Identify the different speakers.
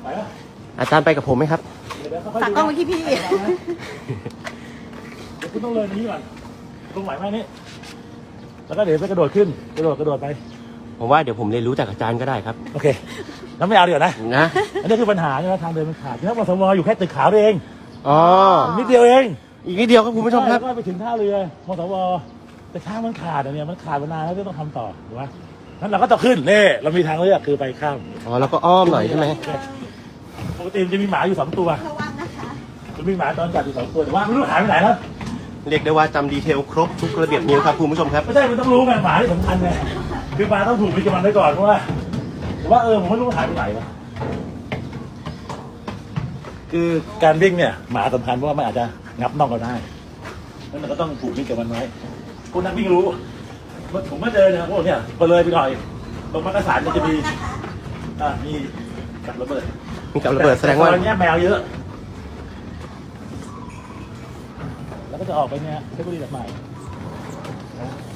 Speaker 1: ไปปะ
Speaker 2: อาจารย์ไปกับผมไหมครับ
Speaker 3: ฝากกล้องไว้ที่พี่
Speaker 1: เดี๋ยวคุณต้องเลยนี้ก่อนตรงไหวไหมนี่แล้วก็เดี๋ยวไปกระโดดขึ้นกระโดดไป
Speaker 2: ผมว่าเดี๋ยวผมเรียนรู้จากอาจารย์ก็ได้ครับ
Speaker 1: โอเคแล้วไม่เอาเดี๋ยวนะ
Speaker 2: นะ
Speaker 1: อันนี้คือปัญหาใช่ไหมทางเดินมันขาดที่มสวอยู่แค่ตึกขาวเอง
Speaker 2: อ๋อ
Speaker 1: นิดเดียวเอง
Speaker 2: อีกนิดเดียวครับคุณผู้ชมครับ
Speaker 1: แล้วก็ไปถึงท่าเรือมสวแต่ทางมันขาดอันเนี้ยมันขาดมานานแล้วที่ต้องทำต่อถูกไหมนั้นเราก็ต้องขึ้นเน่เรามีทางเลือกคือไปข้าม
Speaker 2: อ๋อแล้วก็อ้อมหน่อยใช่ไหม
Speaker 1: ปกติมันจะมีหมาอยู่2 ตัว
Speaker 3: ระวังนะคะ
Speaker 1: มันมีหมาตอนจัดอยู่2 ตัวแต่ว่าไม่รู้หายไปไหนแล้ว
Speaker 2: เรียกได้ว่าจำดีเทลครบทุกระเบียบนิ้วครับคุณผู้ชมครับ
Speaker 1: ไม่ใช่มันต้องรู้ไงหมาที่สำคัญไงคือหมาต้องถูกมีกำลังไว้ก่อนเพราะว่าแต่ว่าผมไม่รู้หายไปไหนวะคือการวิ่งเนี่ยหมาสำคัญเพราะว่ามันอาจจะงับน่องเราได้แล้วมันก็ต้องผูกมิตรกับมันไว้คุณนักวิ่งรู้ผมมาเจอเนี่ยพวกเนี่ยพอเลยไปหน่อยตรงมักกะสันมันจะมีมีกับระเบิด
Speaker 2: มีกับระเบิดแสดงว่า
Speaker 1: ตอนนี้แมวเยอะ แล้วก็จะออกไปเนี่ยเพชรบุรีแบบใหม่